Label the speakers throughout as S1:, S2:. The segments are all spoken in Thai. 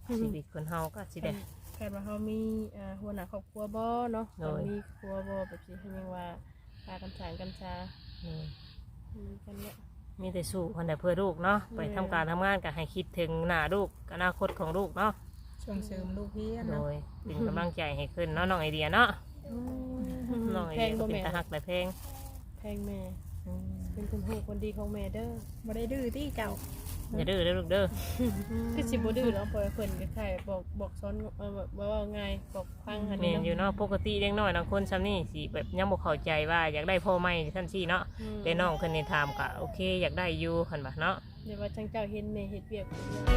S1: ชีวิตคนเฮาก็สิได้
S2: แค่ว่าเฮามีหัวหน้าครอบครัวบ่เนาะมีครัวบ่แบบสิเรียกว่าพากันสร้างกันชากันเนี่ย
S1: มีแต่สู้คนแต่เพื่อลูกเนาะไปทำการทำงานก็ให้คิดถึงหน้าลูกอนาคตของลูกเนาะ
S3: ส่งเสริมลูกเฮียน
S1: โด
S3: เนาะ
S1: ยเป็นกำลังใจให้ขึ้นเนาะน้องไอเดียเนาะน้องไอ
S2: แพ
S1: เดี
S2: ง
S1: ย
S2: บ่
S1: เป็น
S2: แม่
S1: ตาฮักแต่เพลง
S2: แพงแม่เป็นคนฮู้คนดีของแม่เด้อ
S3: บ่ได้ดื้อที่เจ้า
S1: อย่าดื้อเด้อลูกเด้อ
S2: คือสิบ่ดื้อแล้วปล่อยเพิ่นก็แค่บอกสอนว่าง่ายบอกฟังหั่น
S1: แม่นอยู่เนาะปกติเด็กน้อยบางคนซ้ำนี่สิแบบยังบ่เข้าใจว่าอยากได้พ่อใหม่ท่านซี่เนาะแต่น้องเพิ่นนี่ถามก็โอเคอยากได้อยู่หั่นบ่เนาะ
S2: เดี๋ยวว่าจังเจ้าเห็นแม่เฮ็ดเวียก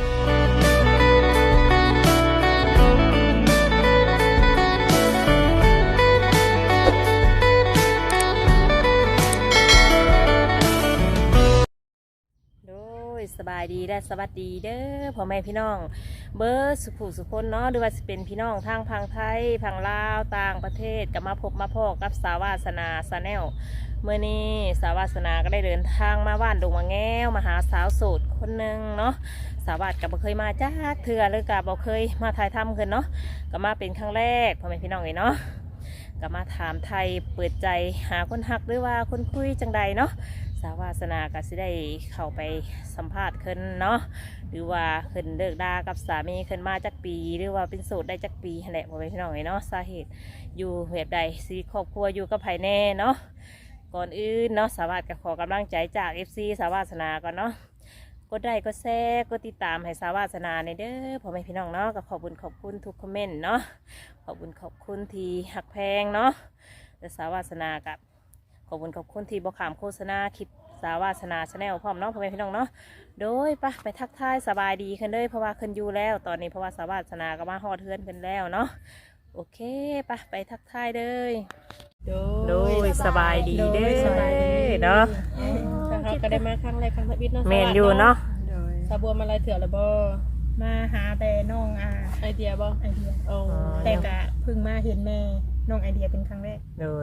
S1: โดยสบายดีและสวัสดีเด้อพ่อแม่พี่น้องเบิร์สุขุสุคนเนาะหรือว่าจะเป็นพี่น้องทางพังไทยพังลาวต่างประเทศก็มาพบมาพอกับสาวาสนาซาแนลเมื่อนี้สาวาสนาก็ได้เดินทางมาบ้านดงมะแง้วมาหาสาวโสดคนหนึ่งเนาะสาวาสก็บ่เคยมาจ้าเถื่อหรือก็บ่เคยมาถ่ายทำกันเนาะก็มาเป็นครั้งแรกพ่อแม่พี่น้องเลยเนาะก็มาถามไทยเปิดใจหาคนฮักหรือว่าคนคุยจังใดเนาะสาวาสนาก็สิได้เข้าไปสัมภาษณ์ขึ้นเนาะหรือว่าขึ้นเลิกดากับสามีขึ้นมาจักปีหรือว่าเป็นโสดได้จักปีแหละพ่อแม่พี่น้องเนาะสาเหตุอยู่แบบใดสิครอบครัวอยู่กับไผแน่เนาะก่อนอื่นเนาะสาวาสก็ขอกำลังใจจาก FC สาวาสนาก่อนเนาะกดไลค์กดแชร์กดติดตามให้สาวาสนาในเด้อพ่อแม่พี่น้องเนาะก็ขอบคุณทุกคอมเมนต์เนาะขอบคุณที่หักแพงเนาะและสาวาสนากับขอบคุณที่บอกขามโฆษณาคลิปสาวาสนาชาแนลพร้อมเนาะพ่อแม่พี่น้องเนาะโดยไปทักทายสบายดีขึ้นเลยเพราะว่าขึ้นอยู่แล้วตอนนี้เพราะว่าสาวาสนาก็มาฮอดเทือนขึ้นแล้วเนาะโอเคไปทักทายเลยโดยสบายดีเด้อเนาะ
S2: เขาก็ได้มาครั้งแรกครั้งทวิตเนาะ
S1: เมนอยู่เนาะ
S3: โดย
S2: สาบัวมาลายเถื่อแล้วบ่
S3: มาหาแต่น้อง
S2: ไอเดียบ่
S3: ไอเดีย
S2: โอ้
S3: แต่ก็เพิ่งมาเห็นแม่น้องไอเดียเป็นครั้งแรก
S1: โดย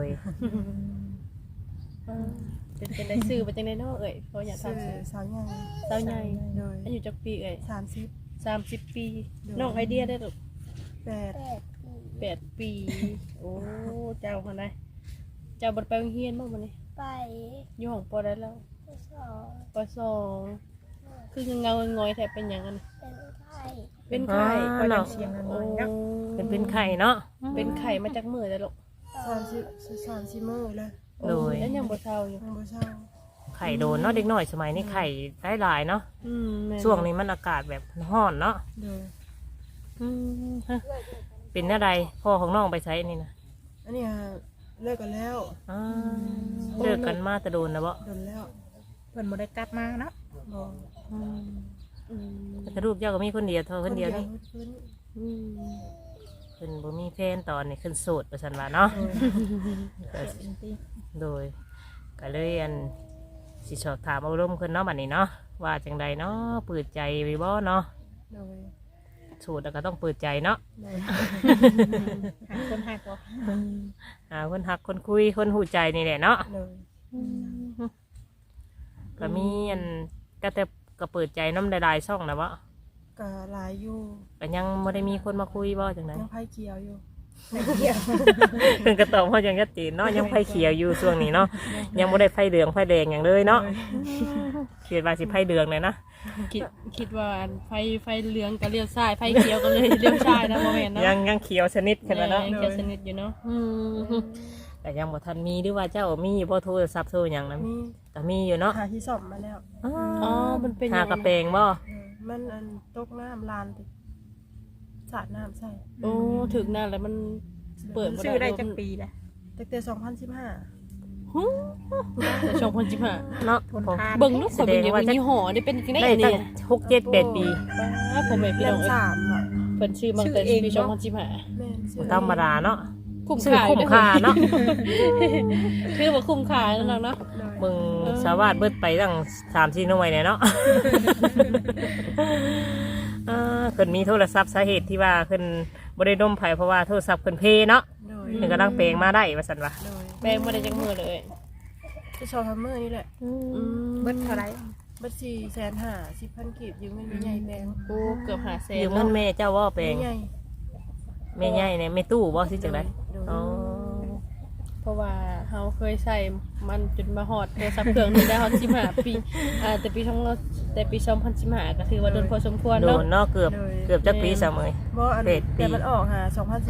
S2: เป็นได้ซื้อไปจังได๋เนาะเอ้ยเขาอยาก
S3: ชื่อ
S2: ทำซื้อ
S3: สาวใหญ่
S2: สาวใหญ่
S3: โดย
S2: อายุจักปีเอ้ย
S3: 30
S2: 30 ปีน้องไอเดียได้ลูก
S3: 8
S2: 8 ปีโอ้เจ้าคนใดเจ้าบ่ไปโรงเรียนบ่มื้อนี้
S4: ไป
S2: อยู่ห้องปอได้แล้ว
S4: สอบ
S2: ปสองคือเงาๆงอยๆแทบเป็นหยังกัน
S4: เป็นไข้
S2: เป็นไข้
S3: ก็ยังเสียงน้อยๆเนาะ
S1: เป็นไข่เนาะ
S2: เป็นไข้มาจากมื้อได้ลูก
S3: 30มื้อเลย
S1: โดย
S2: แล้วยังบ่เฒ่าอยู่
S3: ยังบ่เช้า
S1: ไข่โดนเนาะเด็กน้อยสมัยนี้ไข่ได้หลายเนาะ
S2: แม่
S1: ช่วงนี้มันอากาศแบบร้อนเนาะ
S3: โดย
S1: ฮะเป็นอะไรพ่อของน้องไปใช้นี่นะ
S3: อันนี้เลิกกันแล้ว
S1: อ่าเลิกกันมาแต่โดนนะบ่
S3: โดนแล้วเพิ่นบ่ได้กลับมาเนาะบ่
S1: แต่ลูกเจ้าก็มีคนเดียวเท่าคนเดียวนี่
S3: เพิ่น
S1: ขึ้นบ่มีแฟนตอนนี้ขึ้นโสดประชันว่าเนาะ โดยก็เลยสิสอบถามอารมณ์ขึ้นเนาะบัดนี้เนาะว่าจังใดเนาะเปิดใจไว้บ่เนาะ
S3: โดย
S1: โสดแล้วก็ต้องเปิดใจเนาะ
S3: โดยหาคนหักบ่
S1: หาคนหักคนคุยคนหูใจนี่แหละเนาะ
S3: โดย
S1: ก็มีก็แต่ก็เปิดใจน้ำหลายๆช่องนะวะ
S3: ก็หลายอยู่
S1: ก็ยังไม่ได้มีคนมาคุยบ่จังได
S3: ยังไผเขียวอยู่
S1: เพิ่นก็ตอบว่ายังชัดเจนเนาะยังไฟเขียวอยู่ช่วงนี้เนาะยังไม่ได้ไฟเหลืองไฟแดงอย่างเลยเนาะคิดว่าสิไฟเหลืองเลยนะ
S2: คิดว่าไฟเหลืองก็เลี้ยวซ้ายไฟเขียวก็เลยเลี้ยวซ้ายนะบ่แม่นเนาะ
S1: ยังเขียวชนิดขนาดเนาะ
S2: ยังเขียวสนิทอยู่เนาะ
S1: แต่ยังบ่ทันมีหรือว่าเจ้ามีบ่โทรศัพท์โทรหยังนะ
S3: มี
S1: ก็มีอยู่เนาะ
S3: หาที่ซ่อมมาแล้ว
S2: อ๋อมันเป็น
S1: หากระเปงบ่
S3: มันตกน้ำลานไปสาดน้ำใส่
S2: โอ้ถึงนั่นแล้วมันเปิดบ่
S3: ชื่อได้จักปี
S2: แล้ว
S3: ตั้งแต่2015
S2: แต่ช่องคนจิบหา
S1: เนาะ
S2: เบิ่งลูกคนเป็นอย่างยี่ห้อนี่เป็นจังได๋
S1: ได้
S2: อัน
S1: ตั้
S2: นี้
S1: ง6-7-8 ปี
S2: ผมเป็นพี่
S3: เล่
S2: น้อ
S3: ม
S2: ง
S3: 3อ่ะ
S2: เพิ่นชื่อมันแต่ปีช่องคนจิบหา
S3: แม่นชื่อ
S1: ธรรมดาเนาะ
S2: คุ้ม
S1: ซื้อ
S2: ค่า
S1: คุ้มค่าเนาะ
S2: คือว่าคุ้มค่านั่นเนาะ
S1: มึงสาวาดเบิดไปตั้ง3-4หน่วยเนี่ยเนาะ เพิ่นมีโทรศัพท์สาเหตุที่ว่าเพิ่นบ่ได้ดมไผเพราะว่าโทรศัพท์เพิ่นเพเนาะ
S3: โดย
S1: เพิ่นกำลังเปลงมาได้ว่าซั่นว่า
S3: โดย
S2: แปลงบ่ได้จักมือเลย
S3: ที่ชอบทำมือนี่แหละ
S2: เบิดเท่าไหร่
S3: บัด450,000 10,000 กีบยืมเงินแม่ใหญ่แบง
S2: โอ้เกือบ500,000
S1: ยืมเงินแม่เจ้าว่าแปล
S3: แม่
S1: ง
S3: ใหญ่
S1: แม่ใหญ่เนี่ยแม่ตู้บ่สิจังได๋
S3: โดย
S1: อ๋อ
S2: เพราะว่าเฮาเคยใส่มันจนมาฮอดโทรศัพท์เครื่องนึงได้ฮอด15 ปีแต่ปี2015ก็ถือว่าโดนพอสมควร
S1: โด
S2: เนาะ
S1: นเนาะเกือบจักปีซะมื้อ
S3: บ่อัน
S1: เป็ดปี
S3: แต่มันออกหา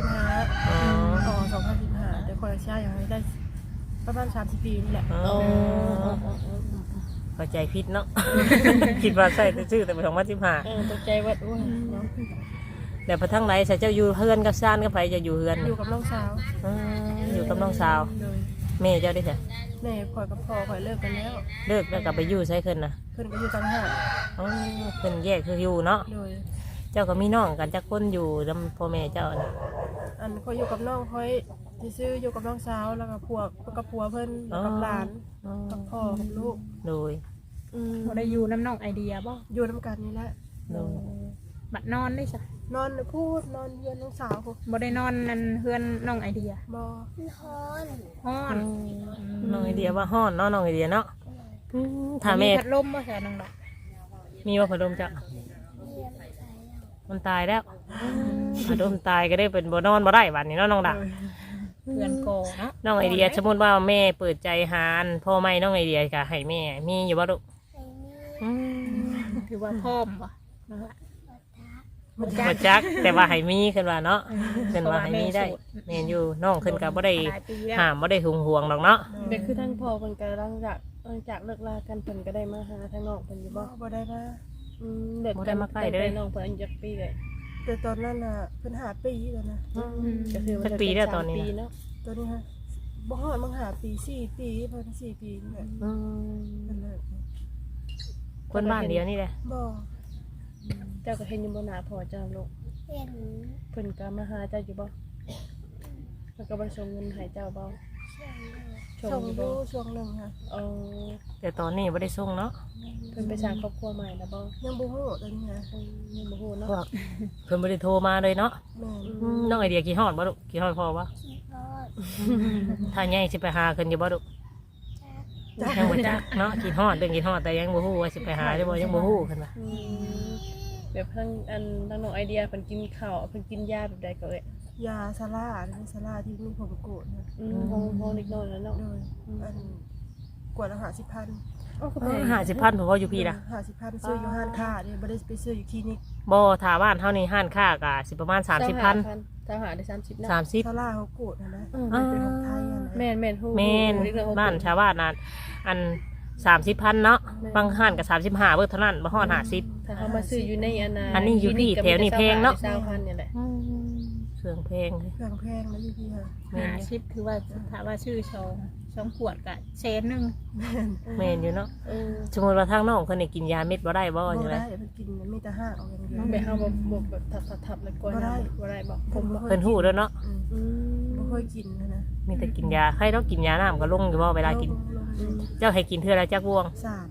S3: 2015
S1: อ๋อ
S3: ออก2015แต่คนละชาติยังได้ประมาณ30 ปีนี่แหละ
S1: อ๋อ
S2: โอ้
S1: เข้าใจผิดเนาะ คิดว่าใส่แต่ชื่อแต่ไป2015
S2: ตกใจว่าโอ้ยเนาะ
S1: แต่พอทั้งไหนใส่เจ้าอยู่เฮือนกับซ่านกับไผจะอยู่เฮือน
S3: อยู่กับน้องสาว
S1: อยู่กับน้องสาว
S3: โดย
S1: แม่เจ้าได้จ้ะ
S3: แม่ข่อยกับพ่อข่อยเลิกกันแล้ว
S1: เลิกแล้วกลับไปอยู่ใช้ขึ้นนะ
S3: เพิ่นก็อยู่ต่างหาก
S1: อ๋อเพิ่นแยกคืออยู่เนาะ
S3: โดย
S1: เจ้าก็มีน้องกันจักคนอยู่นำพ่อแม่เจ้าน่ะ
S3: อันข่อยอยู่กับน้องข่อยซื่อๆอยู่กับน้องสาวแล้วก็ผัวเพิ่นแล้วกับหลาน
S1: อ๋อ
S3: กับพ่อกับลูก
S1: โดย
S5: บ่ได้อยู่น้ำน้องไอเดียบ่
S3: อยู่นํกันนี่แหละ
S1: โดย
S5: บัดนอนได้จ้ะ
S3: นอนพูดนอนเยือนน้องสาวพูด
S5: บ่ได้นอนนั่นเฮือนน้องไอเดีย
S3: บ่
S4: ฮ้อน
S5: ฮ้อน
S1: น้องไอเดียว่าฮ้อนเนาะน้องไอเดียเนาะถ้าแม่
S5: พัดลมบ่ใช่น้องดอก
S1: มีว่าพัดลมจ้ะ
S4: เรียนใส่แล้ว
S1: มันตายแล้วพัดลมตายก็ได้เป็นบ่นอนบ่ได้วันนี้เนาะน้องดา
S5: เพื่อนโกเนาะ
S1: น้องไอเดียสมมติว่าแม่เปิดใจหานพ่อไม่น้องไอเดียก็ให้แม่มีอยู่บ่ลูก
S4: ไอ้นี่
S1: อืม
S5: ถือว่าพร้อมบ่น้องละ
S1: บ่จักแต่ว่าให้มีขึ้นว่าเนาะขึ้นว่าให้มีได้แม่นอยู่น้องขึ้นก็บ่ได้
S5: หลายปีแล้ว
S1: ห้ามบ่ได้ห่วงดอกเนาะ
S2: เด็กคือทั้งพ่อเพิ่นก็หลังจากเลิกลากันเพิ่นก็ได้มาหาทางน้องเพิ่นอยู่บ่
S3: บ่ได้มา
S2: เด็กกันตั้งแต่น้องเพิ่นอายุจักปีเลย
S3: แต่ตอนนั้นน่ะเพิ่น5 ปีแล้วนะ
S2: ก็คือ
S1: สักปีแล้วตอนนี้
S2: เนาะ
S3: ตัวนี้ฮะบ่ฮอดมึง5 ปี4 ปีเพิ่น4 ปีนี่แหละ
S1: อืม
S3: เพิ่นเลิก
S1: คนบ้านเดียวนี่แหละ
S3: บ่
S2: เจ้าก็เห็นอยู่บ่หน้าพ่อเจ้าลูก
S4: เห็น
S2: เพิ่นก็มาหาเจ้าอยู่บ่แล้วก็บ่ส่งเงินให้เจ้าบ่
S4: เชื่อมเลย
S2: ส่
S3: ส่
S2: ง
S3: ง
S2: อ
S3: อยู่ ยู่
S2: บ่
S3: ช่วงหนึงค่ะ
S2: เออ
S1: แต่ตอนนี้บ่ได้ส่งเนาะ
S2: เพิ่นไปสร้างครอบครัวใหม่แล้วบ่
S3: ยังบ่ฮู้ตอนนี้นะ
S2: ยังบ่ฮู้เนาะ
S1: พวกเพิ่นบ่ได้โทรมาเลยเนาะ
S3: แม่น
S1: น้องไอเดียกี่ฮอดบ่ลูกกี่ฮอดพ่อวะ
S4: ขี้พอด
S1: ถ้าใหญ่สิไปหาเพิ่นอยู่บ่ลูก
S4: จัก
S1: ยังบ่จักเนาะกี่ฮอดเรื่องกี่ฮอดแต่ยังบ่ฮู้ว่าสิไปหาได้บ่ยังบ่ฮู้เพิ่นว่า
S2: แบบทั้งน้องไอเดียเพิ่นกินข้าวเพิ่นกินยาแบบใดก็เอ้ย
S3: ยาซาร่านี่ซาร่าที่มีผมโกรธนะ
S2: ห้องเล็กน้อยแล้วเนาะ
S3: โดยอันกวดละ50,000
S2: อ้าวก็
S1: เอ
S2: แพ
S1: อง50,000ผมว่าอยู่พี่ล่ะ
S3: 50,000ซื้ออยู่ห้างค้านี่บ่ได้ไปซื้ออยู่คลินิก
S1: บ่ถ้าบ้านเฮานี่ห้านค้าก็สิประมาณ 30,000
S2: ถ้าหาได้30นะ
S1: 30
S3: ซาร่าเขาโกรธนะ
S1: อ่า
S3: เป็นของไทยอะนะ
S2: แม่นฮู้
S1: แม่นบ้านชาวบ้านน่ะอัน 30,000เนาะบางห้านก็35เบิดเท่านั้นบ่ฮอด50
S2: ถ้าเขามาซื้ออยู่ใน
S1: อันนี้อยู่ที่แถวนี้แพงเนาะ
S2: 20,000เนี่ยแหละ
S1: เครื่องแพงเลย
S3: เครื่องแพงแล้วอยู่พี่ค่ะ
S1: แม่น
S5: 50คือว่าถ้าว่าชื่อ2ขวดก็แสนหนึง
S1: แม่นอยู่เนาะ
S2: เออ
S1: สมมุติว่าทางน้องเพิ่นได้กินยาเม็ดบ่ได้บ่
S3: บ่
S1: จังได๋
S3: ได้มันกินมันมีแต่ห้างเอาอย่างเดียว
S2: ไปเฮาแบบทับๆแล้วก่อนบ่ได้บ่
S3: ผมบ่
S1: เพิ่นฮู้เด้อเนาะ
S3: บ่ค่อยกินนะ
S1: มีแต่กินยาใครต้องกินยาน้ำก็ลงอยู่บ่เวลากิน เจ้าให้กินเทื่อละจักบวง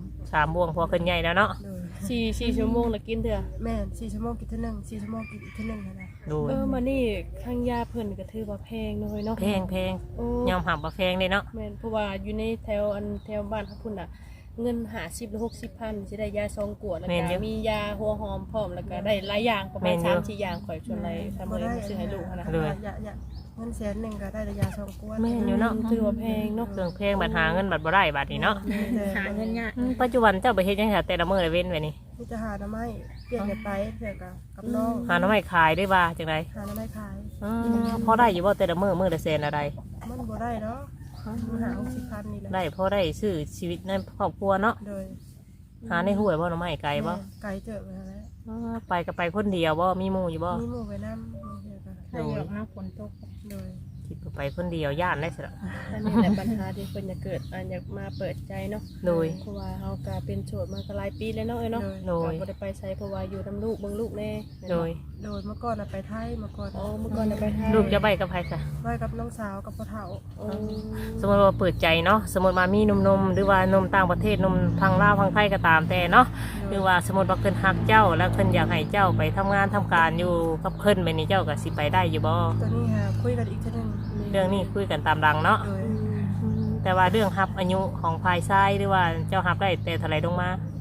S3: 3
S1: 3บวงพอขึ้นใหญ่แล้วเนาะ
S3: โดย
S2: 4ชั่วโมงแล้วกินเถอะ
S3: แม่น4 ชั่วโมงกินเท่านึง4 ชั่วโมงกินอีกเท่านึงนะ
S1: ดู
S2: มานี่ข้างยาเพิ่นก็ถือว่าแพงน้อยเนาะ
S1: แพงแพง
S2: โอ้
S1: ยอมหับว่าแพงเลยเนาะ
S2: แม่นเพราะว่าอยู่ในแถวบ้านเขาพุ่นน่ะ เงิน50หรือ60,000สิได้ยา2ขวดแล้วก็มียาหัวหอมพร้อมแล้วก็ได้หลายอย่างประมาณ3-4อย่างข่อยชวนอะไรทำเลยซื้อให้ลูกนะ
S3: อย่าเงิน100,000ก็ได้ระยะ2ขวด
S1: แม่นอยู่เนาะ
S2: ถือว่าแพงเนาะ
S1: เครื่องแพงบัดหาเงินบัดบ่ได้บัดนี้เนาะ
S5: หาเงินยาก
S1: ปัจจุบันเจ้าไปเฮ็ดจังซี่แต่ละมื้อละเว้นไว้นี่
S3: มีแต่หาหน่อไม้เปลี่ยนกันไปเพื่อกับน้อง
S1: หาหน่อไม้ขายได้บ่าจังได๋
S3: หาหน่อไม้ขาย
S1: พอได้อยู่บ่แต่ละมื้อละแสนอะไร
S3: มันบ่ได้เนาะมันหา60,000นี่แหละ
S1: ได้พอได้ซื้อชีวิตในครอบครัวเนาะ
S3: โดย
S1: หาในห้วยบ่หน่อไม้ไกลบ่
S3: ไกลเจอไปแล้ว
S1: ไปก็ไปคนเดียวบ่มีหมู่อยู่บ่
S3: มีหมู่ไปนำเดียวกัน
S5: ถ้าอยากมาฝนตก
S3: โดย
S1: คิดว่าไปคนเดียวย่านได้สิล่ะ
S2: อันนี้แหละปัญหาที่เพิ่นอยากเกิดอยากมาเปิดใจเนาะ
S1: โดย
S2: เพราะว่าเฮาก็เป็นโสดมาก็หลายปีแล้วเนาะเนาะ
S1: โดย
S2: ก็บ่ได้ไปไสเพราะว่าอยู่นำลูกเบิ่งลูกแน่
S1: โดย
S3: โดยเมื่อก่อนไปไทยเมื่อก่อน
S2: อ๋อเมื่อก่อนน่ะไปไทย
S1: ลูกจะไปกับใครซะ
S3: ไว้กับน้องสาวกับพ่อเฒ่า
S2: โอ้
S1: สมมติว่าเปิดใจเนาะสมมติว่ามีหนุ่มๆหรือว่านมต่างประเทศนมทางลาวทางไทยก็ตามแต่เนาะหรือว่าสมมติว่าเพิ่นฮักเจ้าแล้วเพิ่นอยากให้เจ้าไปทำงานทำการอยู่กับเพิ่นไปนี่เจ้าก็สิไปได้อยู่บ่
S3: ตัวนี้ฮะคุยกันอีกทีนึง
S1: เรื่องนี้คุยกันตามดังเนาะ
S3: โดย
S1: แต่ว่าเรื่องฮับอายุของฝ่ายชายหรือว่าเจ้าฮับได้แต่เท่าไหร่ลงมา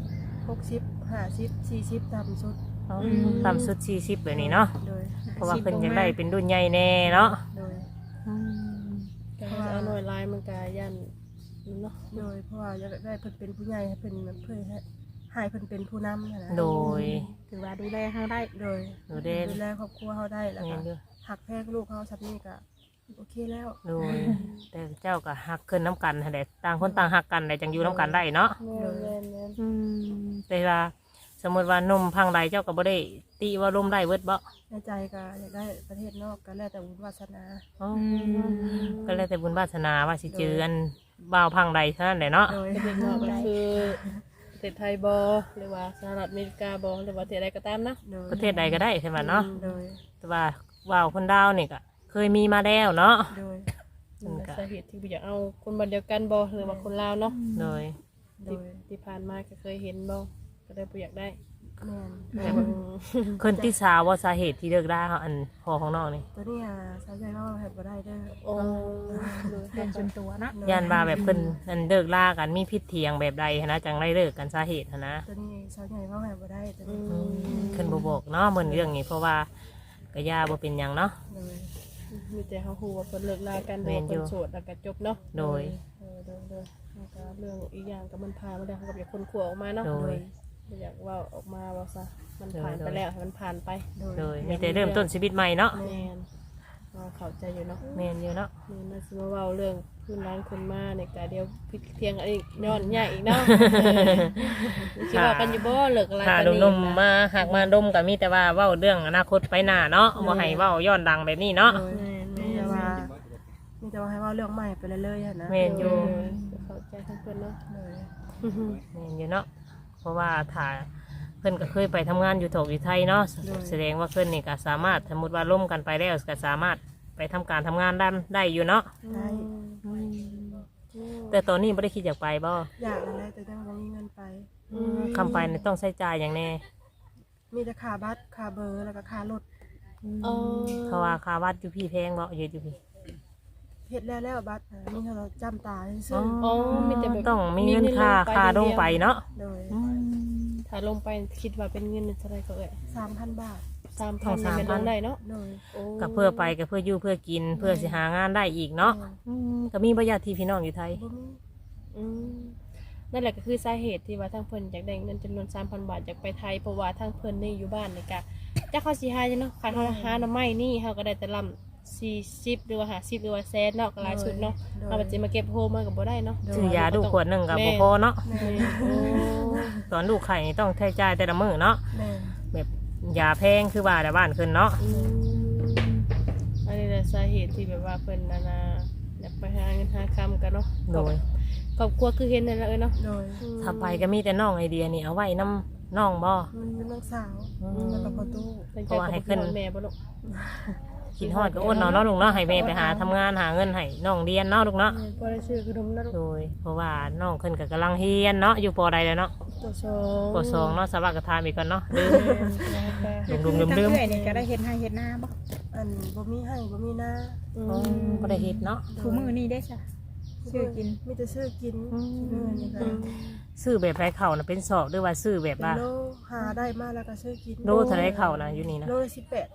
S3: 60 50 40ต่ำสุด
S1: ต่ำสุด40แบบนี้เนาะ
S3: โดย
S1: เพราะว่าเพิ่นอยากได้เป็นรุ่นใหญ่แน่เนาะ
S3: โดย
S2: ก็ให้เอาหน่วยลายมันก็ยันเนาะ
S3: โดยเพราะว่าอยากได้เพิ่นเป็นผู้ใหญ่ให้เพิ่นเพื่อให้เพิ่นเป็นผู้นำนะ
S1: โดย
S5: ถือว่าดูแลเฮาได้
S3: โดย
S1: ดูเด่น
S3: ดูแลครอบครัวเขาได้แล้ว
S1: แม่
S3: ก็
S1: นอยู่
S3: หักแพงลูกเขาสับนี่ก็โอเคแล้ว
S1: โดยแต่เจ้าก็ฮักขึ้นน้ำกันหั่นแหละต่างคนต่างฮักกันได้จังอยู่น้ำกันได้เนาะ
S2: แม่นแม่นแม่น
S1: แต่ว่าสมมติว่านมพังใดเจ้าก็บ่ได้ตีว่าลมได้เบิดบ่
S3: ในใจก็อยากได้ประเทศนอกก็แล้วแต่บุญวาสนา
S1: อ๋อก็แล้วแต่บุญวาสนาว่าสิเจออันบ่าวพังใดเท่านั้นแหละเนาะ
S3: โดย
S2: ประเทศนอกก็คือประเทศไทยบ่หรือว่าสหรัฐอเมริกาบ่หรือว่าประเทศใดก็ตามนะ
S3: โดย
S1: ประเทศใดก็ได้ใช่ไหมเนาะ
S3: โดย
S1: แต่ว่าว่าวคนดาวนี่ก็เคยมีมาแล้วเนาะ
S3: โดย
S2: สาเหตุที่บ่อยากเอาคนบ้านเดียวกันบ่หรือว่าคนลาวเนาะ
S1: โดย
S3: โดย
S2: ที่ผ่านมาก็เคยเห็นบ่ก็เลยบ่อยากได้
S3: แม่น
S2: แต่ว่า
S1: คนที่สาวว่าสาเหตุที่เลิกได้เขาอันพอของน้องนี่
S3: ตัวนี้สาวใหญ่เขาเห็นบ่ได้เด้อ
S2: โอ้
S5: เรื่องส่วนตัวเนาะ
S1: ยันว่าแบบเพิ่นอันเลิกล่ากันมีพิษเถียงแบบใดหั้นนะจังได้เลิกกันสาเหตุหั้นนะ
S3: ตัวนี้สาวใหญ่เขาเห็นบ่ได้ตัว
S2: อื
S3: นี้
S2: ม
S1: ขึ้นบ่บอกเนาะเหมือนเรื่องนี้เพราะว่าก็ย่าบ่เป็นหยังเนาะ
S3: โดย
S2: มีแต่เขาฮู้ว่าเพิ่นเลิกลากัน
S1: แม่
S2: ว่าน
S1: อยู่
S2: เพิ่นโสดแล้วก็จบเนาะ
S1: โดย
S2: โดยแล้วก็เรื่องอีกอย่างก็มันผ่านมาแล้วเขาก็อยากคนขัวออกมาเนาะ
S1: โดย
S2: บ่อยากเว่าออกมาว่าซะมันผ่าน
S1: โดย
S2: ไปแล้วให้มันผ่านไป
S1: โดยมีแต่เริ่มต้นชีวิตใหม่เนาะ
S2: แม่นเราเข้าใจอยู่เนาะ
S1: แม่นอยู่เนาะ
S2: นี่น่าสิมาเว้าเรื่องพื้นร้านคนมาเนี่ยก็เดี๋ยวพิดเทียงกันอีกย้อนใหญ่อีกเนาะคิดว่ากันอยู่บ่เลิกอะไร
S1: ถ้า
S2: กัน
S1: หนุ่มๆมาหากมาดมก็มีแต่ว่าเว้าเรื่องอนาคตไปหน้าเนาะบ่ให้เว้าย้อนดังแบบนี้เนาะ
S3: โดยมีแต่ว่าให้ว่าเรื่องใหม่ไปเรื่อยๆนะ
S1: แม่นอยู่
S2: เข้าใจทั้งเพิ่นเนาะ
S3: โดย
S1: แม่นอยู่เนาะเพราะว่าถ้าเพิ่นก็เคยไปทำงานอยู่ถกอยู่ไทยเนาะแสดงว่าเพิ่นนี่ก็สามารถสมมติว่าล่มกันไปแล้วก็สามารถไปทำการทำงานได้อยู่เนาะ
S3: ได้
S1: แต่ตอนนี้ไม่ได้คิดอยากไปบ่
S3: อยากอะไรแต่ยังบ่มีเงินไป
S1: คำไปนี่ต้องใช้จ่ายอย่างแน่
S3: มีแต่ค่าบัตรค่าเบอร์แล้วก็ค่ารถ
S2: อ๋อ
S1: เพราะว่าค่าวัดอยู่พี่แพงบ่อยู่พี่
S3: เฮ็ดแล้วบัตรมีเท่าเราจำตาซื่อ
S2: อ๋อมีแต่แบบ
S1: ต้องมีเงินค่าลงไปเนาะ
S3: โดย
S2: ถ้าลงไปคิดว่าเป็นเงินเท่าไหร่ก็เอ่ย
S3: 3,000 บาท
S2: 3,000นี่มันลงได้เนาะ
S3: โดย
S2: โอ้
S1: ก็เพื่อไปก็เพื่ออยู่เพื่อกินเพื่อสิหางานได้อีกเนาะก็มีประหยัดที่พี่น้องอยู่ไทย
S3: บ่มี
S2: อืมนั่นแหละก็คือสาเหตุที่ว่าทางเพิ่นอยากได้เงินจำนวน 3,000 บาทอยากไปไทยเพราะว่าทางเพิ่นนี่อยู่บ้านนี่ก็จักเขาสิหาจังเนาะคันเฮาหาหน่อไม้นี่เฮาก็ได้แต่ลำ40หรือว่า50หรือว่าแสนเนาะก็หลายสุดเนาะเฮาก็สิมาเก็บโฮมมันก็บ่ได้เนาะ
S1: ซื้อยาดูขวดหนึงก็บ่พอเนาะ
S3: แม่
S2: โอ้
S1: ตอนลูกไข่นี่ต้องใช้จ่ายแต่ละมื้อเนาะ
S3: แม่
S1: แบบยาแพงคือว่าแต่บ้านขึ้นเนาะ
S2: อืมอันนี้แหละสาเหตุที่แบบว่าเพิ่นน่ะนะอยากไปหาเงินหาคำกันเนาะ
S1: โดย
S2: ครอบครัวคือเห็นนั่นแหละเนาะ
S3: โดย
S1: ถ้าไปก็มีแต่น้องไอเดียนี่เอาไว้น้ำน้องบ่
S3: มันเป็นน้องสาวแล้วก็ประตู
S1: เพราะว่าให้ขึ้น
S2: แม่บ่ลูก
S1: กินฮอดก็อ้นเนาะเนาะลูกเนาะให้แม่ไปหาทำงานหาเงินให้น้องเรียนเนาะลูกเนาะ
S2: พอได้ชื่อขนมนะลูก
S1: โดยเพราะว่าน้องขึ้นก็กำลังเฮียนเนาะอยู่ปอใดแล้วเนาะ
S2: ตัวสอง
S1: ปอสองเนาะสวัสดิ์กระทานอีกก่อนเนาะลืม
S5: คือ
S1: ลืม
S5: ทั้ง
S1: ลืม
S5: เอื้อยนี่ก็ได้เฮ็ดให้เฮ็ดหน้าบ่
S3: อันบ่มีให้บ่มีหน้า
S1: บ่ได้เฮ็ดเนาะ
S5: คู่มือนี่ได้จ้ะซื้อกิน
S3: มีแต่ซื้อกินนี่ก็
S1: ซื้อแบบไรเข่านะเป็นสอบหรือว่าซื้อแบบ
S3: เป็น
S1: ว่า
S3: โลหาได้มาแล้วก็ซื้อกิน
S1: โลเท่าไรเข่านะอยู่นี่นะ
S3: โลละ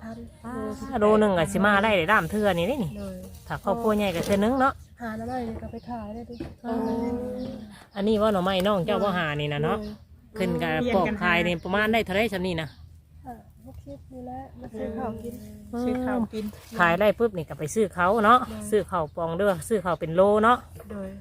S3: 18,000
S1: โลหนึ่งก็สิมาได้ได้ด้ามเทื่อนี่นี่
S3: โดย
S1: ถ้าครอบครัวใหญ่ก็เทื่อนึงเนาะ
S3: หาน้ำไม้นี่ก็ไปขายได้ดิ
S1: อันนี้ว่าหน่อไม้น้องเจ้าว่าหานี่นะเนาะขึ้นกับปอกคายนี่ประมาณได้เท่าไรสำนี่นะ
S3: 60นี่แหละมาซื้อข้าวกิน
S5: ซื้อข้าวกิน
S1: ขายได้ปุ๊บนี่ก็ไปซื้อเขาเนาะซื้อเขาวปองเด้อซื้อเขาวเป็นโลเนาะ
S3: โดย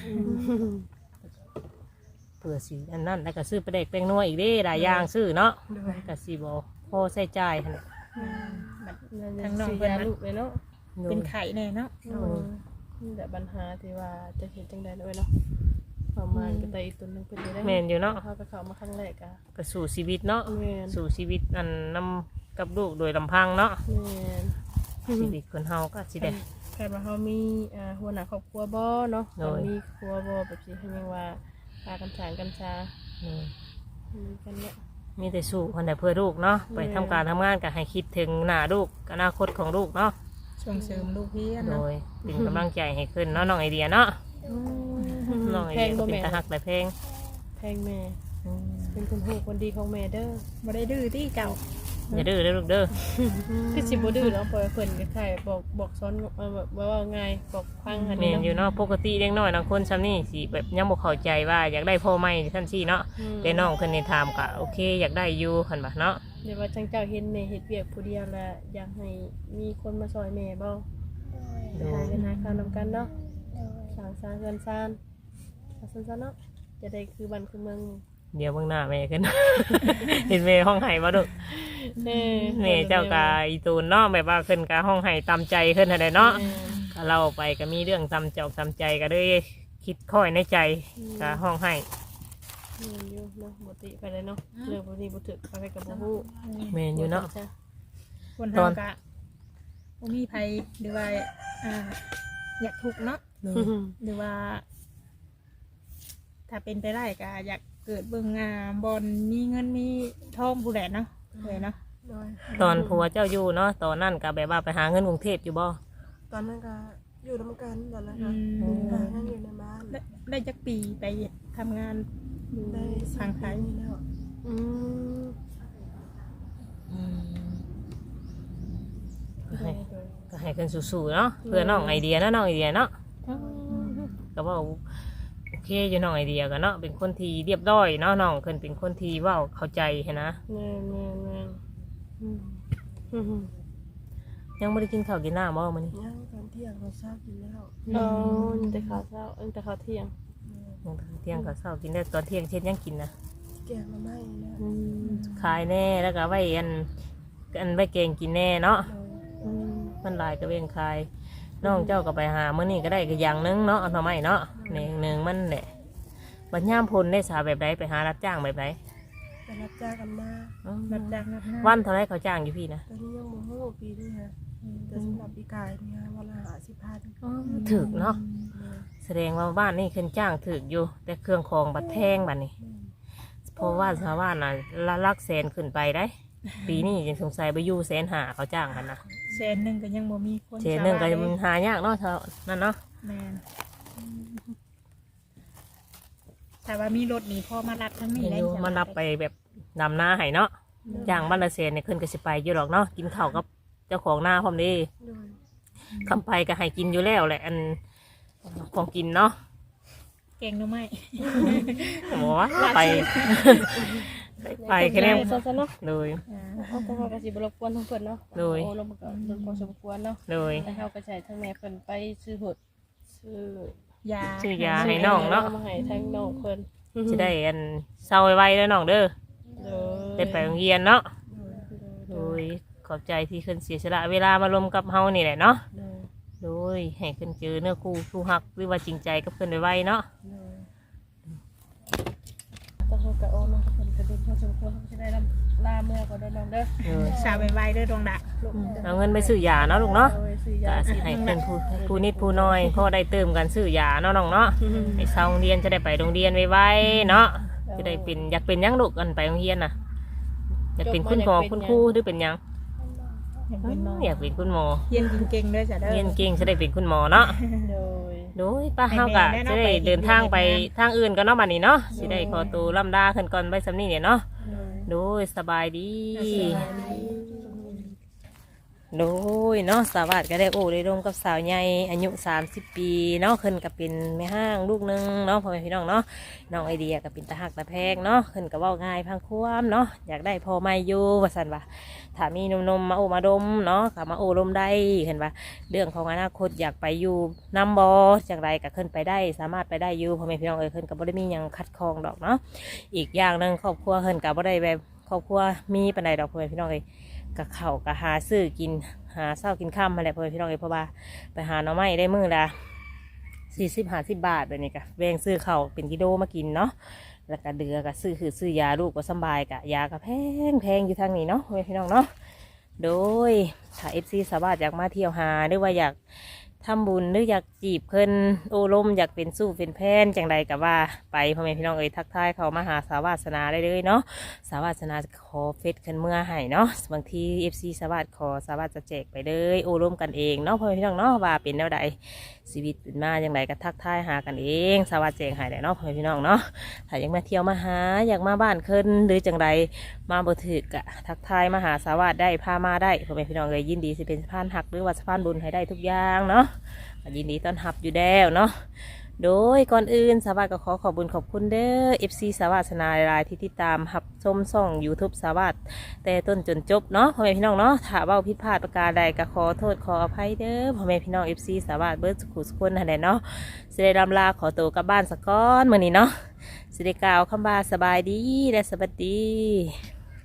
S1: เผื่อสิอันนั้นแล้วก็ซื้อปลาเด็กแป้งนัวอีกเด้หลายอย่างซื้อเนาะ
S3: โดย
S1: ก็สิบ่พอใช้จ่ายหั่นแหละ
S2: ทางน้องเพิ่นลูกเลยเนาะ
S5: เป็นไข่แน่เนาะ
S2: นี่แหละปัญหาที่ว่าจะเห็นจังได๋ด้วยเนาะประมาณก็ได้อีกตัวนึงเพิ่นได้
S1: แม่นอยู่เนาะ
S2: เฮาก็เข้ามาครั้งแรกอ่ะ
S1: ก็สู่ชีวิตเนาะ
S2: แม่น
S1: สู่ชีวิตอันนำกับลูกโดยลำพังเนาะ
S2: แม่น
S1: ชีวิตคนเฮาก็สิได้
S2: แค่ว่าเฮามีหัวหน้าครอบครัวบ่เนาะ
S1: โดย
S2: มีครัวบ่แบบสิให้ยังว่าพากันสร้างกันชา
S1: อืม
S2: มีกันเนี่ย
S1: มีแต่สู้คนแต่เพื่อลูกเนาะไปทำการทำงานก็ให้คิดถึงหน้าลูกอนาคตของลูกเนาะ
S5: ส่งเสริมลูกเรียน
S1: โด
S5: เนาะ
S1: ยเป็นกำลังใจให้ขึ้นเนาะน้องไอเดียเนาะน้องไอ
S2: แพ
S1: เดี
S2: ง
S1: ย
S2: บ่
S1: เป็น
S2: แม่
S1: ตาหักแต่เพลง
S2: แพงแม่เป็นคนหูคนดีของแม่เด้อ
S5: บ่ได้ดื้อที่เจ้า
S1: อย่าดื้อเด้อลูกเด้อ
S2: คือสิบ่ดื้อแล้วปล่อยเพิ่นก็ใครบอกสอนแบบว่าไงบอกฟังอัน
S1: แม่
S2: นี้
S1: นอยู่เนาะปกติเด็กน้อยบางคนซ้ำนี่สิแบบยังบ่เข้าใจว่าอยากได้พ่อใหม่ท่านซี่เนาะแต่น้องเพิ่นนี่ถามก็โอเคอยากได้อยู่หั่นบ่เนาะ
S2: เดี๋ยวว่าจังเจ้าเห็นแม่เฮ็ดเวียกผู้เดียวแล้วอยากให้มีคนมาซอยแม่บ่
S4: โดย
S2: หาเงินหาข้าวนำกันเนาะ
S4: โดย
S2: สร้างสร้างเงินสร้างซะเนาะจะได้คือบ้านคือเมือง
S1: เดี๋ยวเบิ่งหน้าแม่ขึ้น เห็นแม่ห้องไห้บ่ลูก
S2: เด้อ
S1: แม่เจ้ากาอีตูนเนาะแบบว่าขึ้นกาห้องไห้ตามใจขึ้นอะไรเนาะก็เล่าไปก็มีเรื่องตามจอกตามใจก็เลยคิดค่อยในใจกาห้องไห้
S2: เงินอยู่เนาะบ่ติไปเลยเนาะเรื่องบ่นี้บ่ถึกไปกับบ่ฮู้
S1: แม่นอยู่เนาะ
S5: คน
S1: ต
S5: เฮา
S1: อน
S5: ก็บ่มีไผหรือว่าอยากทุกข์เนาะหรือว่า ถ้าเป็นไปได้ก็อยากเกิดเบิ่งบอนมีเงินมีทองผู้ใดเนาะเลยเนาะ
S3: โดย
S1: ตอนผัวเจ้าอยู่เนาะตอนนั้นก็แบบว่าไปหาเงินกรุงเทพอยู่บ่
S3: ตอนนั้นก็อยู่ร่วมกันตอนนั้น
S5: อื
S3: ค่ะ
S5: ม
S3: นั่งอยู่ในบ้าน
S5: ได้จักปีไปทำงานอยู่
S3: ได้
S5: ทางไทย
S3: ปีแล้ว
S2: อืม
S1: ก็ให้ขึ้นสู้ๆเนาะเพื่อน้องไอเดียเนาะน้องไอเดียเนาะก็ว่าโอเคอยู่น้องไอเดียกันเนาะเป็นคนที่เรียบร้อยเนาะน้องขึ้นเป็นคนที่เว้าเข้าใจหั้นนะ
S2: แม่อืม
S1: ยังไม่ได้กินข้าวกินน้ำบ่มื้อนี้
S3: ย่างตอนเที่ยงเราทราบอยู่แล้ว
S2: แต่ข้าวเช้าแต่ข้าวเที่ยง
S1: ยังเที่ยงก็เช้ากินได้ตอนเที่ยงเช่นยังกินนะ
S3: แกงมาไม่นะ
S1: ขายแน่แล้วก็ไว้อันไว้เกงกินแน่เนาะมันหลายก็เว้นขายน้องเจ้าก็ไปหามื้อนี้ก็ได้ก็อย่างหนึงเนาะเอาหน่อไม้เนาะหนึ่งมันแหละบัดยามพลได้สาแบบใดไปหารับจ้างแบบใด
S3: ไปรับจ้างกันมา
S5: รับจ้างรับงาน
S1: วันเท่าไรเขาจ้างอยู่พี่นะ
S3: ตอนนี้ยังโมโหปีนี้ฮะแต่สำหรับปีกายเนี่ยวันละ50,000
S1: ถึกเนาะแสดงว่าบ้านนี่ขึ้นจ้างถึกอยู่ แต่เครื่องของบัดแพงบัดนี้เพราะว่าชาวบ้านน่ะลักแสนขึ้นไปได้ ปีนี้ยังสงสัยไปอยู่150,000เขาจ้างกันนะ
S5: แสนหนึงก็ยังบ่มีคน
S1: เศษหนึ่งก็
S5: ชาวบ้า
S1: มันหายากเนาะเท่านั่นเนาะ
S5: แม่นแต่ว่ามีรถนี่พ่อมารับทั้งนี้
S1: เห็น
S5: ได้
S1: อยู่
S5: จ้ะ
S1: มันรับไปแบบดำหน้าให้เนาะจ้างบ้านละแสนเนี่ยขึ้นก็สิไปอยู่หรอกเนาะกินข้าวกับเจ้าของหน้าพร้อมเดี
S3: โดย
S1: คำไปก็ให้กินอยู่แล้วแหละอันของกินเนาะ
S5: เก่งหรือไม่
S1: บอกว่าไป ไปแค่นี้
S2: ซะเนาะ
S1: โดย
S2: เอาแต่เขาก็สิบ่รบกวนทั้งเพิ่นเนาะโอ้ลงมาก็รบกวนสมควรเนาะ
S1: โดย
S2: แต่เขาก็ใช้ทั้งแม่เพิ่นไปซื้อหดซื้อย
S5: า
S1: ซื้อยาให้น้องเนาะ
S2: มาให้ทั้งน้องเพิ่น
S1: จะได้อันเศร้าไว้ๆแล้วน้องเด้อได้ไปโรงเรียนเนาะโดยขอบใจที่ขึ้นเสียสละเวลามารวมกับเฮานี่แหละเนาะโดยให้ขึ้นเจอเนื้อคู่หักหรือว่าจริงใจกับเพิ่นไว้ๆเนาะ
S2: ต้องเขาก็โอ้น้องเพิ่นก็เป็นพอสมควรเขาจะได้ลาเมื่อก็ได้น้องเด้อ
S1: โดย
S5: สาวไวๆเด้อดวงดะ
S1: เอาเงินไปซื้อยาเนาะลูกเนาะ
S2: โดยซื้อยา
S1: ก็สิให้เป็นผู้นิดผู้น้อยพอได้เติมกันซื้อยาเนาะน้องเนาะให้เศร้าโรงเรียนจะได้ไปโรงเรียนไวๆเนาะจะได้เป็นอยากเป็นหยังลูกกันไปโรงเรียนน่ะอยากเป็นคุณหมอคุณครูหรือเป็นหยัง
S5: อยากเป็นหมอ
S1: อยากเป็นคุณหมอ
S5: เรียนเก่งๆเด้อจ้ะเด้อ
S1: เรียนเก่งจะได้เป็นคุณหมอเนาะ
S2: โดย
S1: โดยป้าเฮากะจะได้เดินทางไปทางอื่นก็เนาะบัดนี้เนาะสิได้ขอตัวล่ำลาขึ้นก่อนไปสำนี้เนี่ยเนาะโดยสบายดี โดยเนาะสวัสดิ์ก็ได้โอ้ได้ร่วมกับสาวใหญ่อายุ30 ปีเนาะขึ้นกับเป็นแม่ห้างลูกหนึงเนาะพ่อแม่พี่น้องเนาะน้องไอเดียกับเป็นตาหักตาแพงเนาะขึ้นกับว่าง่ายพังความเนาะอยากได้พ่อไม่อยู่ว่าสันว่าถ้ามีนมมาโอมาดมเนาะกับมาโอลมได้เห็นว่าเรื่องของอนาคตอยากไปอยู่นำบอจากไรก็ขึ้นไปได้สามารถไปได้อยู่พ่อแม่พี่น้องขึ้นกับบ่ได้มีหยังคัดคองดอกเนาะอีกอย่างหนึงครอบครัวขึ้นกับบ่ได้แบบครอบครัวมีปานใดดอกพ่อแม่พี่น้องกับเขาวกับหาซื้อกินหาเศร้ากินข้ามมาแหละเพื่อนพี่น้องเพราะว่าไปหาหน่อไม้ได้มื้อละ40-50 บาทแบบนี้กะแบ่งซื้อเขาวเป็นกิโลมากินเนาะแล้วก็เดือก็ซื้อยาลูกก็สำบายกะยาก็แพงอยู่ทางนี้เนาะเพื่อนพี่น้องเนาะโดยถ้า FC สาวบ้านอยากมาเที่ยวหาหรือว่าอยากทำบุญหรืออยากจีบเพิ่นโอ้ลมอยากเป็นสู้เป็นแพนจังใดกับว่าไปพ่อแม่พี่น้องเอ้ยทักทายเขามาหาสาวาสนาได้เลยเนาะสาวาสนาจะขอเฟซขึ้นเมื่อให้เนาะบางที FC สาวาสขอสาวาสจะแจกไปเลยโอ้ลมกันเองเนาะพ่อแม่พี่น้องเนาะว่าเป็นแนวใดชีวิตเป็นมาจังใดก็ทักทายหากันเองสาวาสแจกให้ได้เนาะพ่อแม่พี่น้องเนาะถ้าอยากมาเที่ยวมาหาอยากมาบ้านเพิ่นหรือจังใดมาบ่ถึกอะทักทายมาหาสาวาสได้พามาได้พ่อแม่พี่น้องเอ้ยยินดีสิเป็นสะพานหักหรือว่าสะพานบุญให้ได้ทุกอย่างเนาะ ยินดีต้อนรับอยู่แล้วเนาะ โดยก่อนอื่นสาวาสก็ขอขอบคุญขอบคุณเด้อ FC สาวาสนาหลายที่ติดตามรับชมช่อง YouTube สาวาสแต่ต้นจนจบเนาะพ่อแม่พี่น้องเนาะถ้าเว้าผิดพลาดประการใดก็ขอโทษขออภัยเด้อพ่อแม่พี่น้อง FC สาวาสเบิดสุขุสุขคนนั่นแหละเนาะสิได้รำลาขอตัวกลับบ้านสักก้อนมื้อนี้เนาะสิได้กล่าวคำว่าสบายดีและสวัสดี